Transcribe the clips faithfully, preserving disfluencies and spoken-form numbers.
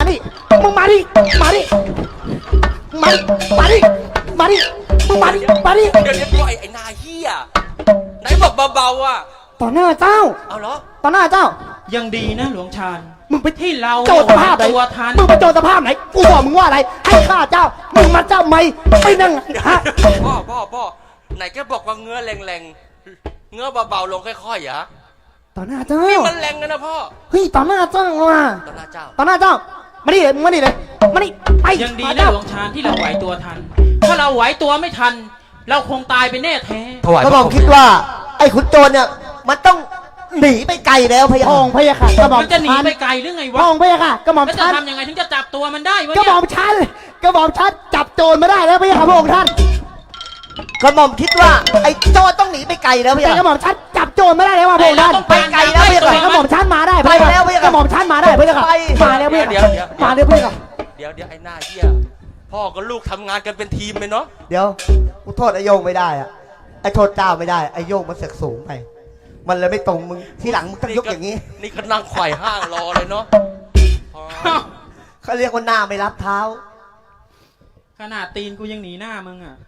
ดิมึงมาดิมาดิมาดิมาดิมาดิมึงมาดิมาดิเดี๋ยวเดี๋ยวไอ้ไอ้นาเฮียไหนบอกเบาๆอ่ะต่อหน้าเจ้าเอาเหรอต่อหน้าเจ้ายังดีนะหลวงชาญมึงไปที่เราโจรสภาพไหนตัวทันมึงไปโจรสภาพไหนกูบอกมึงว่าอะไรให้ข้าเจ้ามึงมาเจ้าไม่ไม่นั่งฮะพ่อพ่อพ่อไหนแกบอกว่าเงื้อแรงๆเงื้อเบาๆลงค่อยๆเหรอต่อหน้าเจ้านี่มันแรงกันนะพ่อเฮ้ยต่อหน้าเจ้าว่ะต่อหน้าเจ้าต่อหน้าเจ้ามาดิเลยมึงมาดิเลยมาดิไปยังดีมานะเจ้าหลวงชาญที่เราไหวตัวทัน ถ้าเราไหวตัวไม่ทัน เราคงตายไปแน่แท้ถวายก็บอกคิดว่า ไอ้ขุนโจรเนี่ยมันต้องหนีไปไกลแล้วพะยะพองพะยะค่ะกระบอกมันจะหนีชันไปไกลหรือไงพวะองพะยะค่ะกระหม่อมแล้วจะชันทำยังไงถึงจะจับตัวมันได้วะกระหม่เนี่อย มชันกระหม่อมชันจับโจรมาได้แล้วพะยะค่ะพระองค์ท่านกระหม่อมคิดว่าไอ้โจรต้องหนีไปไกลแล้วพะแต่ยะกระหม่อมชันจับโจรมาได้แล้วว่ะพระองค์ท่านต้องไปไกลแล้วไม่แต่กระหม่อมชันมาได้พะยะไปแล้วพะยะกระหม่อมชันมาได้พะยะค่ะไปมาแล้วพะยะเดี๋ยวค่ะเดี๋ยวมาแล้วพะยะค่ะเดี๋ยวเดี๋ยวไอ้หน้าเฮียพ่อกับลูกทำงานกันเป็นทีมเลยเนาะเดี๋ยวกูโทษไอ้โยงไม่ได้อะไอ้โทษเจ้าไม่ได้ไอ้โยงมันเสือกสูงไป มันเลยไม่ตรงมึงที่หลังมึงต้องยกอย่างนี้นี่ก็นั่งไขว่ห้างรอเลยเนาะพ่อเขาเรียกว่าหน้าไม่รับเท้าขนาดตีนกูยังหนีหน้ามึงอ่ะ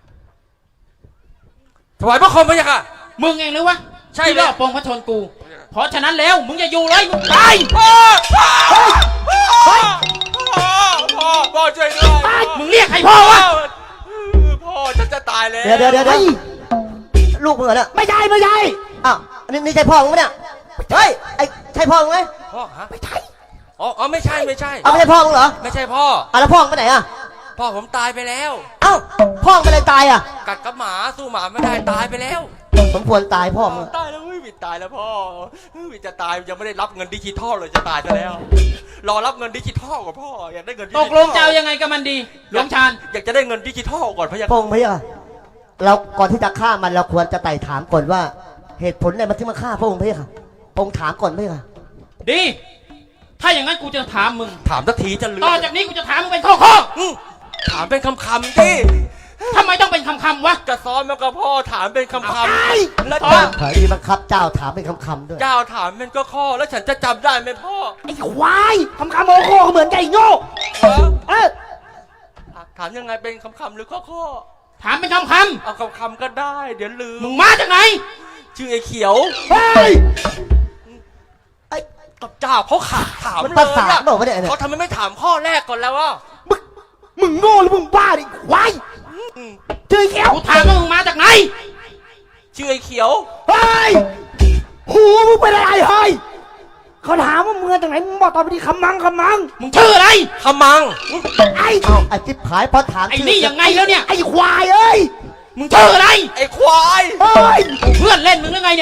ถวายพระคมพระยะค่ะมึงเองหรือวะใช่ที่เลยรอบปองพระชนกู เพราะฉะนั้นแล้วมึงอย่าอยู่เลยมึงไปพ่อพ่อพ่อพ่อพ่อช่วยด้วยมึงเรียกใครพ่อวะพ่อฉันจะตายแล้วเดี๋ยวเดี๋ยวเดี๋ยวเดี๋ยวลูกมึงเหรอเนี่ยไม่ใช่ไม่ใช่อ้าวอันนี้นี่ใช่พ่อมึงไหมเนี่ยเฮ้ยไอ้ใช่พ่อมึงไหมพ่อฮะไม่ใช่อ๋ออ๋อไม่ใช่ไม่ใช่เอาไม่ใช่พ่อมึงเหรอไม่ใช่พ่ออ่ะแล้วพ่อมึงไปไหนอ่ะพ่อผมตายไปแล้วเอ้าพ่อมึงไปเลยตายอ่ะกัดกับหมาสู้หมาไม่ได้ตายไปแล้วสมควรตายพ่อมึงตายแล้วเฮ้ยวิดตายแล้วพ่อเฮ้ยวิดจะตายยังไม่ได้รับเงินดิจิทัลเลยจะตายไปแล้ว รอรับเงินดิจิทัลก่อนพ่ออยากได้เงินดิจิตทัลกลงจะเอายังไงกับมันดี หลวงชาญอยากจะได้เงินดิจิทัลก่อนพะยะพงพะยะเราก่อนที่จะฆ่ามันเราควรจะไต่ถามก่อนว่า เหตุผลอะไรมันที่มาฆ่าพระองค์พะยะค่ะพระองค์ถามก่อนพะยะค่ะดี ถ้าอย่างนั้นกูจะถามมึงถามสักทีจะลืมต่อจากนี้กูจะถามมึงเป็นข้อข้ออืมถามเป็นคำคำๆที่ๆทำไมต้องเป็นคำคำๆวะจะซ้อมแล้วก็พ่อถามเป็นคำคำแล้วอ๋อเจ้าเผยดีบังคับเจ้าถามเป็นคำๆด้วยเจ้าถามเป็นก็ข้อแล้วฉันจะจำได้ไหมพ่อไอ้ควายคำคำโมโคก็เหมือนไก่โง่ฮะเออถามยังไงเป็นคำคำๆหรือข้อข้อถามเป็นคำคเอาคำคำๆก็ได้ เดี๋ยวลืำมมึงมาจากไหนชื่อไอ้เขียวเฮ้ยไอ้กับเจ้าเขาขาดถามมันเลภาย ษาอะบอกว่าเนี่ยเนี่ยเขาทำไมไม่ถามข้อแรกก่อนแล้ววะมึงมึงโง่หรือมึงบ้าดิควายอืมเจอแก้วกูถามว่ามึงมาจากไหนชื่อไอ้เขียวเฮ้ยหูมึงเป็นอะไรเฮ้ยเขาถามว่ามึงมาจากไหนมึงบอกตอบไปดิคำมังคำมังมึงชื่ออะไรขมังไอ้เอาไอ้จิ๊บหายพอถามไอ้ชื่นี่ยังไงแล้วเนี่ยไอ้ควายเอ้ยมึงชื่ออะไรไอ้ควายเฮ้ยเพื่อนเล่นมึงหรือไงเนี่ย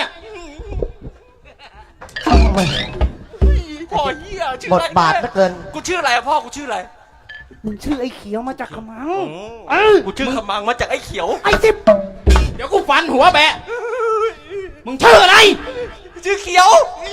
พ่อเหี้ยชื่อบทอะไรบาทเหลือเกินกูชื่ออะไรอะพ่อกูชื่ออะไรมึงชื่อไอ้เขียวมาจากคำมังอืมเออกูชื่อขมังมาจากไอ้เขียวไอ้สิบเดี๋ยวกูฟันหัวแบะ มึงชื่ออะไรชื่อเขียว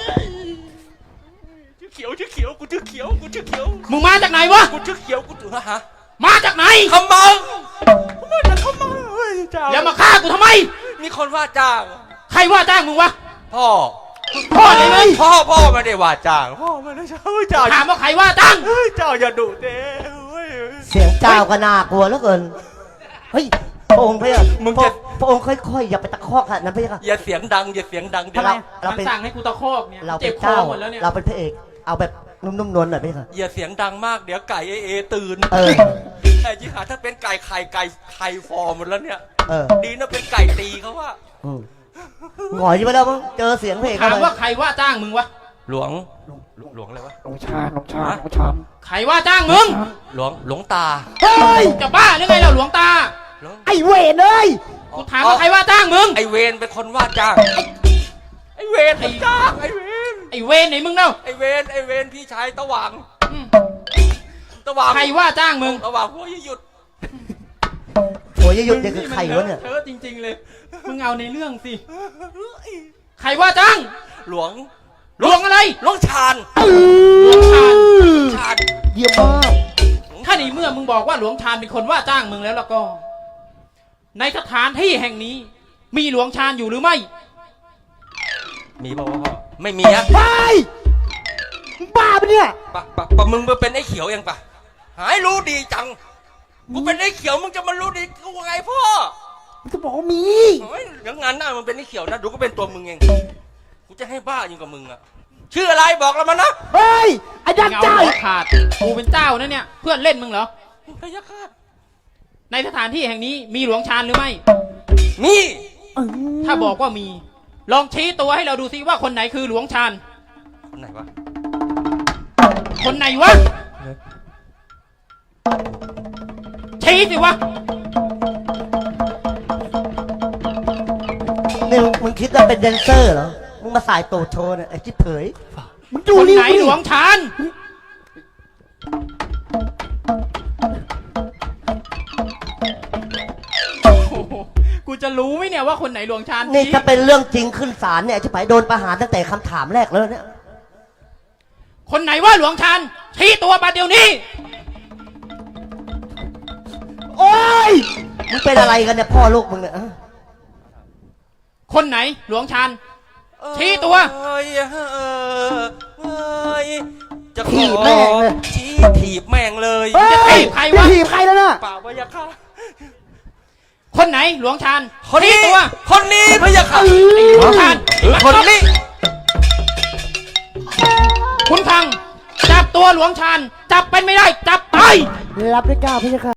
ชื่อเขียวชื่อเขียวกูชื่อเขียวกูชื่อเขียวมึงมาจากไหนวะกูชื่อเขียวกูถือฮะมาจากไหนขมังมาจากขมังเฮ้ยเจ้าแล้วมาฆ่ากูทำไมมีคนว่าจ้างใครว่าจ้างมึงวะพ่อพ่อเลยไหมพ่อพ่อไม่ได้ว่าจ้างพ่อไม่ได้จ้างเฮ้ยเจ้าถามว่าใครว่าจ้างเฮ้ยเจ้าอย่าดุเด้เฮ้ยเสียงเจ้าก็น่ากลัวเหลือเกินเฮ้ยพระองค์พะยะมึงจะพระองค์ค่อยๆอย่าไปตะคอกขนาดนั้นพะยะค่ะอย่าเสียงดังอย่าเสียงดังเดี๋ยวทำไม เรามันเป็นสั่งให้กูตะคอกเนี่ยเราเป็เจ็นบคอเจ้าหมดแล้วเนี่ยเราเป็นพระเอกเอาแบบนุ่มๆนวลหน่อยพะยะค่ะอย่าเสียงดังมากเดี๋ยวไก่เอเอตื่นเออไอ้จิหาถ้าเป็นไก่ไข่ไก่ไข่ฟอร์หมดแล้วเนี่ยเออดีนะเป็นไก่ตีเขาว่าอืมหงอยไปแล้วมั้งเจอเสียงเพลงถาเข้าม ไปว่าใครว่าจ้างมึงวะหลวงหลวงอะไรวะหลงชาหลงชาหลงชาใครว่าจ้างมึงหลวงหลวงตาเฮ้ยจะบ้าหรือไงเราหลวงตาหลวงไอ้เวรเอ้ยกูถามว่าใครว่าจ้างมึงไอเวนเป็นคนว่าจ้างไอเวนเป็นจ้างไอเวนไอ้เวรไหนมึงเนาะไอเวนไอเวนพี่ชายตะหว่างอืมตะหว่างใครว่าจ้างมึงตะหว่างพวกหยุดโอ้ยหยุดเนี่ยคือใครวะเนี่ยเธอจริง ๆ เลย มึงเอาในเรื่องสิ ใครว่าจ้างหลวงหลวงอะไรหลวงชาญหลวงชาญชาญเยี่ยมมากถ้าในเมื่อมึงบอกว่าหลวงชาญเป็นคนว่าจ้างมึงแล้วแล้วก็ ในสถานที่แห่งนี้ มีหลวงชาญอยู่หรือไม่มีป่าวพ่อไม่มีอะไปบ้าปะเนี่ยปะปะปะมึงมาเป็นไอ้เขียวยังปะหายรู้ดีจังกูเป็นไอ้เขียวมึงจะมารู้ดีกูไงพ่อมันจะบอกว่ามีเฮ้ยเดี๋ยวงานหน้ามึงเป็นไอ้เขียวนะดูก็เป็นตัวมึงเองกูจะให้บ้ายิ่งกว่ามึงอะชื่ออะไรบอกเรามานะเฮ้ยไอ้ดันเงาเจ้าหัวขาดกูเป็นเจ้านะเนี่ยเพื่อนเล่นมึงเหรอพยาคาตในสถานที่แห่งนี้มีหลวงชานหรือไม่มีเออถ้าบอกว่ามี ลองชี้ตัวให้เราดูซิว่าคนไหนคือหลวงชานคนไหนวะคนไหนวะชี้สิวะนี่มึงมึงคิดว่าเป็นแดนเซอร์เหรอ มึงมาสายโตโชว์เนี่ยไอ้ชิบเผยมึงดูคนนี่ไหนหลวงชานโอ้โหกูจะรู้ไหมเนี่ยว่าคนไหนหลวงชานนี่ชี้ถ้าเป็นเรื่องจริงขึ้นศาลเนี่ยไอ้ชิบเผยโดนประหารตั้งแต่คำถามแรกแล้วเนี่ยคนไหนว่าหลวงชานชี้ตัวมาเดี๋ยวนี้โอ้ยมึงเป็นอะไรกันเนี่ยพ่อลูกมึงเนี่ยฮะคนไหนหลวงชาน ชี้ตัวเอ้ยเอ้ยจะขอถีบแม่งเลยชี้ถีบแม่งเลยเฮ้ยจะถีบใครวะจะถีบใครแล้วน่ะเปล่าพยาคาตคนไหนหลวงชานคนชี้นี้ตัวคนนี้พยาคาตหลวงชานคนนี้คุณพัง จับตัวหลวงชานจับเป็นไม่ได้จับไปรับได้เก้าพี่ค่ะ